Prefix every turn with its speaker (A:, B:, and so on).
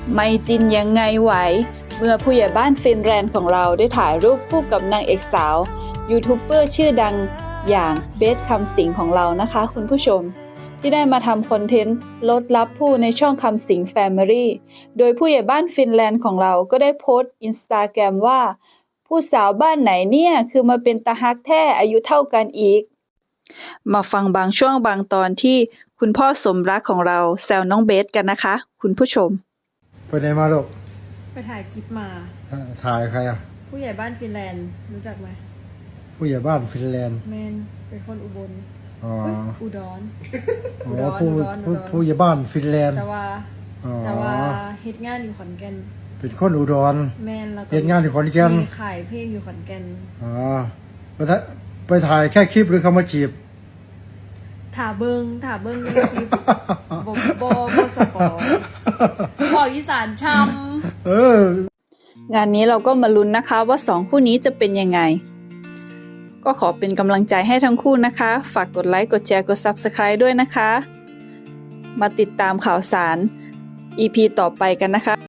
A: ไม่จินยังไงไหวเมื่อผู้ใหญ่บ้านฟินแลนด์ของเราได้ถ่ายรูปคู่กับนางเอกสาวยูทูบเบอร์ชื่อดังอย่างเบสคำสิงของเรานะคะคุณผู้ชมที่ได้มาทำคอนเทนต์ลดลับผู้ในช่องคำสิงแฟมิลี่โดยผู้ใหญ่บ้านฟินแลนด์ของเราก็ได้โพสต์อินสตาแกรมว่าผู้สาวบ้านไหนเนี่ยคือมาเป็นตาฮักแท้อายุเท่ากันอีกมาฟังบางช่วงบางตอนที่คุณพ่อสมรักของเราแซวน้องเบสกันนะคะคุณผู้ชม
B: ไปไหนมาลูก
C: ไปถ่ายคลิปมา
B: ถ่ายใครอ่ะ
C: ผู้ใหญ่บ้านฟินแลนด์รู้จักไหม
B: ผู้ใหญ่บ้านฟินแลนด์
C: แมนเป็นคนอุบลอุดร
B: ผู้ใหญ่บ้านฟินแลนด์
C: แต่ว่าเฮ็ดงานอยู่ขอนแก่น
B: เป็นคนอุดร
C: แมนแล้วก็
B: เฮ็ดงานอยู่ขอนแก่น
C: ขายเพลงอยู่ขอนแก่น
B: ไปถ่ายแค่คลิปหรือเขามาจีบ
C: ถ่าเบิ้งในคลิปบ่สปอยบอกอีสานช้
A: ำงานนี้เราก็มาลุ้นนะคะว่า2คู่นี้จะเป็นยังไงก็ขอเป็นกำลังใจให้ทั้งคู่นะคะฝากกดไลค์กดแชร์กด Subscribe ด้วยนะคะมาติดตามข่าวสาร EP ต่อไปกันนะคะ